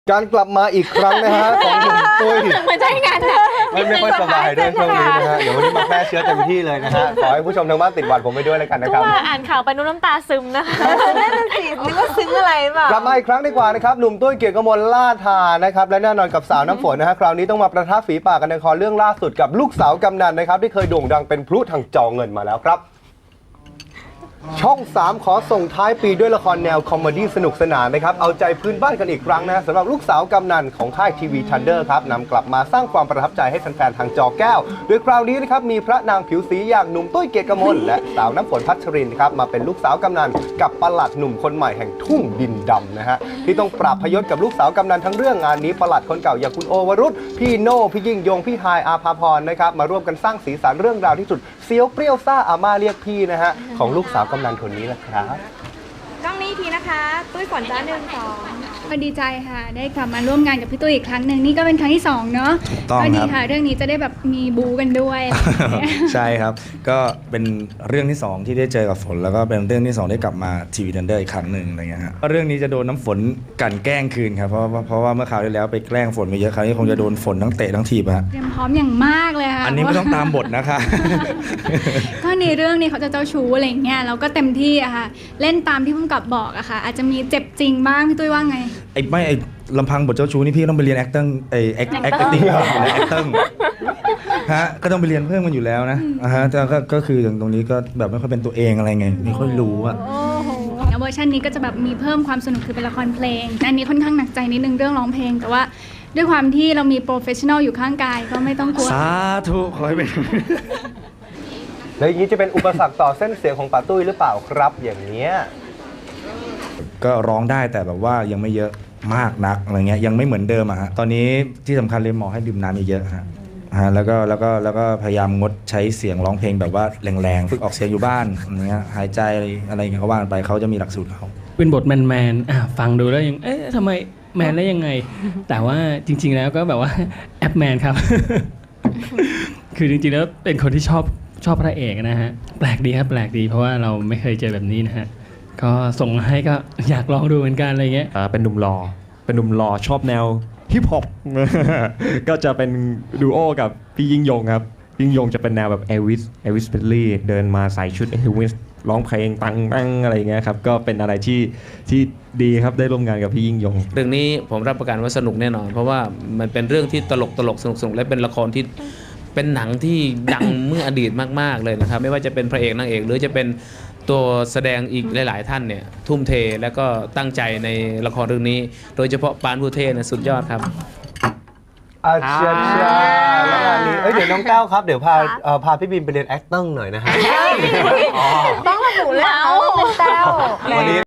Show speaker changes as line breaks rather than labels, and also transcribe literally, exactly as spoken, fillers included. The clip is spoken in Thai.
การกลับมาอีกครั้งนะฮะของหนุ่มตุ้ย
ไม่ใช่งานนะ
ไม่ไม่ค่อยสบายด้วยช่วงนี้นะฮะเดี๋ยววันนี้มาแพร่เชื้อเต็มที่เลยนะฮะขอให้ผู้ชมทางบ้านติดหวัดผมไปด้วยแล้วกันนะครับ
ว่าอ่านข่าวไปนุ่นน้ำตาซึมนะคะ
นั่นน่ะสินึกว่าซึ้งอะไรเปล่าก
ลับมาอีกครั้งดีกว่านะครับหนุ่มตุ้ยเกียรติกมลล่าทานะครับและแน่นอนกับสาวน้ำฝนนะฮะคราวนี้ต้องมาประทับฝีปากกันในละครเรื่องล่าสุดกับลูกสาวกำนันนะครับที่เคยโด่งดังเป็นพลุทางจอเงินมาแล้วครับช่องสามขอส่งท้ายปีด้วยละครแนวคอมเมดี้สนุกสนานนะครับเอาใจพื้นบ้านกันอีกครั้งนะสำหรับลูกสาวกำนันของค่ายทีวีทันเดอร์ครับนำกลับมาสร้างความประทับใจให้แฟนๆทางจอแก้วโดยคราวนี้นะครับมีพระนางผิวสีอย่างหนุ่มตุ้ยเกียรติกมลและสาวน้ำฝนพัชรินครับมาเป็นลูกสาวกำนันกับปลัดหนุ่มคนใหม่แห่งทุ่งดินดำนะฮะที่ต้องปราบพยศกับลูกสาวกำนันทั้งเรื่องงานนี้ปลัดคนเก่าอย่างคุณโอวรุษพี่โน่พี่ยิ่งยงพี่ฮายอาภาพรนะครับมาร่วมกันสร้างสีสันเรื่องราวที่สุดเซียวเปรี้ยวซ่าอาม่าเรียกพี่นะฮะของลูกสาวกำนันคนนี้แหละครับ
กล้องนี้ทีนะคะตุ้ยฝนจ้าหนึ่งสอง
ก็ดีใจค่ะได้กลับมาร่วมงานกับพี่ตุ้ยอีกครั้งหนึ่งนี่ก็เป็นครั้งที่สองเนาะก็ดีค่ะเรื่องนี้จะได้แบบมีบูกันด้วย
ใช่ครับก็เป็นเรื่องที่สองที่ได้เจอกับฝนแล้วก็เป็นเรื่องที่สองได้กลับมาทีวีทันเดอร์อีกครั้งหนึ่งอะไรเงี้ยฮะเรื่องนี้จะโดนน้ำฝนกันแกล้งคืนครับเพราะเพราะว่าเมื่อคราวที่แล้วไปแกล้งฝนไปเยอะคราวนี้คงจะโดนฝนทั้งเตะทั้งถีบฮะ
เตรียมพร้อมอย่างมากเลยค่ะ
อันนี้ไม่ต้องตามบทนะคะ
ก็ในเรื่องนี้เขาจะเจ้าชู้อะไรเงี้ยเราก็เต็มที่อะค่ะเล่นตามที่ผู้กำกับบอกอะค่ะอาจจะมีเจ็บจริงบ้างพี่ตุ้ยว่าไง
ไอ้ไม่ไอ้ลำพังบทเจ้าชู้นี่พี่ต้องไปเรียน acting ไอ้ acting acting ฮะก็ต้องไปเรียนเพิ่มกันอยู่แล้วนะอ่าฮะแต่ก็ก็คืออย่างตรงนี้ก็แบบไม่ค่อยเป็นตัวเองอะไรไงไม่ค่อยรู้อะ
เวอร์ชันนี้ก็จะแบบมีเพิ่มความสนุกคือเป็นละครเพลงอันนี้ค่อนข้างหนักใจนิดนึงเรื่องร้องเพลงแต่ว่าด้วยความที่เรามีโปรเฟชชั่นอลอยู่ข้างกายก็ไม่ต้องกลัว
สาธุขอให้เป็น
แล้วอย่างนี้จะเป็นอุปสรรคต่อเส้นเสียงของป๋าตุ้ยหรือเปล่าครับอย่างเนี้ย
ก็ร้องได้แต่แบบว่ายังไม่เยอะมากนักอะไรเงี้ยยังไม่เหมือนเดิมอะฮะตอนนี้ที่สำคัญเลยหมอให้ดื่มน้ำเยอะๆฮะฮะแล้วก็แล้วก็แล้วก็พยายามงดใช้เสียงร้องเพลงแบบว่าแรงๆฝึกออกเสียงอยู่บ้านอะไรเงี้ยหายใจอะไรเงี้ยเขาว่าไปเขาจะมีหลักสูตรเขา
เป็นบทแมนๆอ่ะฟังดูแล้วยังเอ๊ะทำไมแมนได้ยังไงแต่ว่าจริงๆแล้วก็แบบว่าแอปแมนครับ คือจริงๆแล้วเป็นคนที่ชอบชอบพระเอกนะฮะแปลกดีครับแปลกดีเพราะว่าเราไม่เคยเจอแบบนี้นะฮะก็ส่งมาให้ก็อยากลองดูเหมือนกันอะไรเงี้ย
เป็นหนุ่มหล่อเป็นหนุ่มหล่อชอบแนวฮิปฮอป ก็จะเป็นดูโอกับพี่ยิ่งยงครับยิ่งยงจะเป็นแนวแบบเอลวิสเอลวิสเพลลี่เดินมาใส่ชุดเอลวิสร้องเพลงตังตังอะไรเงี้ยครับก็เป็นอะไรที่ที่ดีครับได้ร่วมงานกับพี่ยิ่งยง
เรื่องนี้ผมรับประกันว่าสนุกแน่นอนเพราะว่ามันเป็นเรื่องที่ตลกตลกสนุกสนุกและเป็นละครที่เป็นหนังที่ดัง เมื่ออดีตมากๆเลยนะครับไม่ว่าจะเป็นพระเอกนางเอกหรือจะเป็นตัวแสดงอีกหลายๆท่านเนี่ยทุ่มเทแล้วก็ตั้งใจในละครเรื่องนี้โดยเฉพาะปานผู้เทศนะสุดยอดครับ
อาเชียเชียแล้วงานนี้เอ้ยเดี๋ยวน้องแก้วครับเดี๋ยวพาพาพี่บินไปเรียน acting หน่อยนะฮะ
ต้องระบุแล้วเป็นแต้ว